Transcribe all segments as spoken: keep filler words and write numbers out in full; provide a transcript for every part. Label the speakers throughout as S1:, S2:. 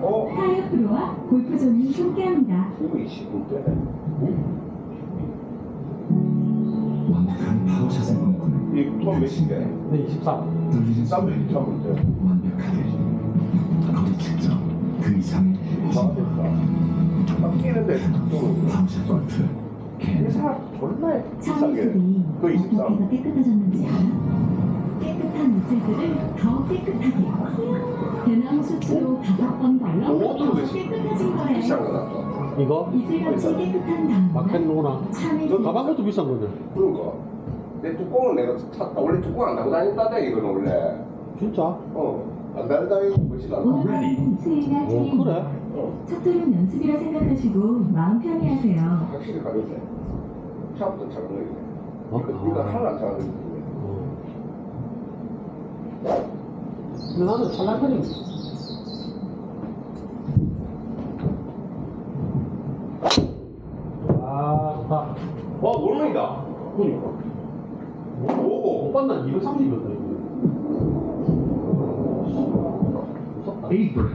S1: 어?
S2: 타이어 프로와 골프존이 함께합니다.
S1: 이거 이십 분대네.
S3: 완벽한 파워샷을 꿈꾸는
S1: 이돈 몇인데?
S4: 네, 이십삼.
S3: 떨리는
S1: 쌈도
S3: 순간
S1: 이십삼 분대.
S3: 완벽하게 거리 측정 그 이상의
S1: 망했다. 막 끼는데 또
S3: 파워샷 골프 캔
S1: 회사 존나
S2: 차의
S1: 비싸게.
S2: 습이
S1: 그
S2: 어떻게
S1: 이십삼.
S2: 더 깨끗해졌는지 알아? 깨끗한 물질들을 더 깨끗하게 대나무 숯으로 다섯 번 걸러
S1: 그것도
S2: 더
S1: 왜
S2: 깨끗해진 거래.
S1: 비싼 거다.
S4: 이거?
S2: 이슬같이 깨끗한 다음에
S4: 마켓로나.
S2: 참외
S4: 저 가방 것도 비싼 거네.
S1: 그러니까. 내 뚜껑은 내가 샀다. 원래 뚜껑 안 달고 다닌다다 이거는 원래.
S4: 진짜?
S1: 어. 안 달고 다니고 뭐지 않아.
S2: 오늘은 수위가
S4: 오,
S2: 차례입니다.
S4: 그래?
S1: 어.
S2: 첫 돌은 연습이라 생각하시고 마음 편히 하세요.
S1: 확실히 가볍네. 차부터 작은 거이네.
S4: 어?
S1: 이거 이거
S4: 아.
S1: 하나 안 작은 거이네.
S4: 어. 근데 나는 찰랑거리. 아, 좋다.
S1: 와, 오르막이다.
S4: 그니까.
S1: 오고.
S4: 오빠 난 이백삼십이었다, 이거. 무섭다.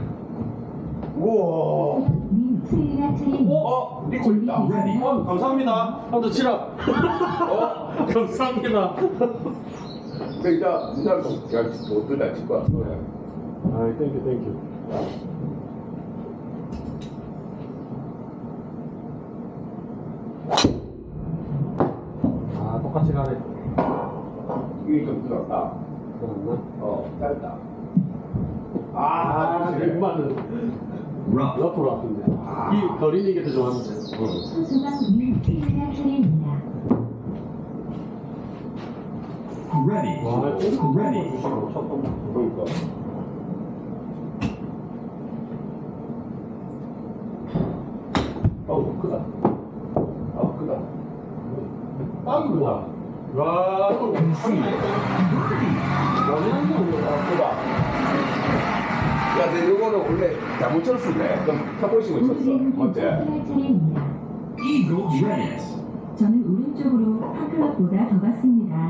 S1: 우와.
S2: 님 수위가 차례입니다.
S1: 어? 리코 있다.
S4: 어, 감사합니다. 한번 치라.
S1: 어?
S4: 감사합니다.
S1: 근데 이제 이날 야, 어떨 날 찍고 왔어.
S4: 아이, 땡큐, 땡큐. 아, 똑같이 가네.
S1: 이게 좀 들었다.
S4: 그렇나?
S1: 어, 짧다.
S4: 아,
S1: 아, 그래.
S4: 백만은
S3: rough
S4: 옆으로 왔던데.
S1: 아.
S4: 이 거리는 게 더 좋았는데.
S2: 소중한 님 수위가 차례입니다.
S3: ready
S4: 와,
S3: ready
S4: 주시고 첫 번째.
S1: 그러니까. 어우, 크다. 아, 크다.
S4: 딱이구나. 와, 이거
S3: concede
S1: 아, 크다. 야, 내 요거는 원래 잘못 쳤었네. 그럼 타보시고 쳤어.
S2: 오늘은
S1: 맞지?
S2: 할 차례입니다.
S3: eagle ready
S2: 저는 오른쪽으로 한 클럽보다 더 갔습니다.